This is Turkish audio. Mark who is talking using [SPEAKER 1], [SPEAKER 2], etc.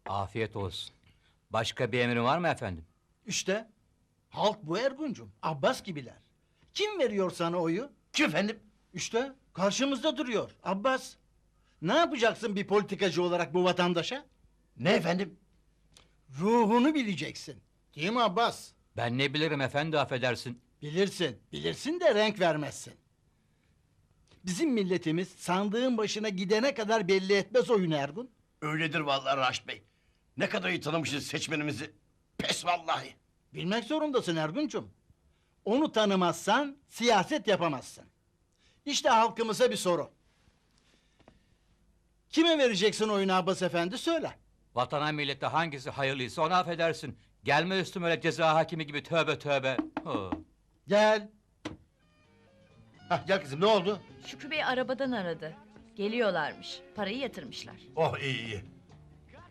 [SPEAKER 1] Afiyet olsun. Başka bir emrin var mı efendim?
[SPEAKER 2] İşte halk bu Erguncum. Abbas gibiler. Kim veriyor sana oyu?
[SPEAKER 3] Kim efendim?
[SPEAKER 2] İşte karşımızda duruyor Abbas. Ne yapacaksın bir politikacı olarak bu vatandaşa?
[SPEAKER 3] Ne efendim?
[SPEAKER 2] Ruhunu bileceksin. Değil mi Abbas?
[SPEAKER 1] Ben ne bilirim efendi, affedersin.
[SPEAKER 2] Bilirsin. Bilirsin de renk vermezsin. Bizim milletimiz sandığın başına gidene kadar belli etmez oyunu Ergun.
[SPEAKER 3] Öyledir vallahi Raşit Bey. Ne kadar iyi tanımışız seçmenimizi. Pes vallahi.
[SPEAKER 2] Bilmek zorundasın Erguncum. Onu tanımazsan siyaset yapamazsın. İşte halkımıza bir soru. Kime vereceksin oyunu Abbas Efendi söyle.
[SPEAKER 1] Vatana millete hangisi hayırlıysa ona affedersin. Gelme üstüme öyle ceza hakimi gibi, tövbe tövbe. Ho.
[SPEAKER 2] Gel.
[SPEAKER 3] Hah, gel kızım, ne oldu?
[SPEAKER 4] Şükrü Bey arabadan aradı. Geliyorlarmış. Parayı yatırmışlar.
[SPEAKER 3] Oh, iyi iyi.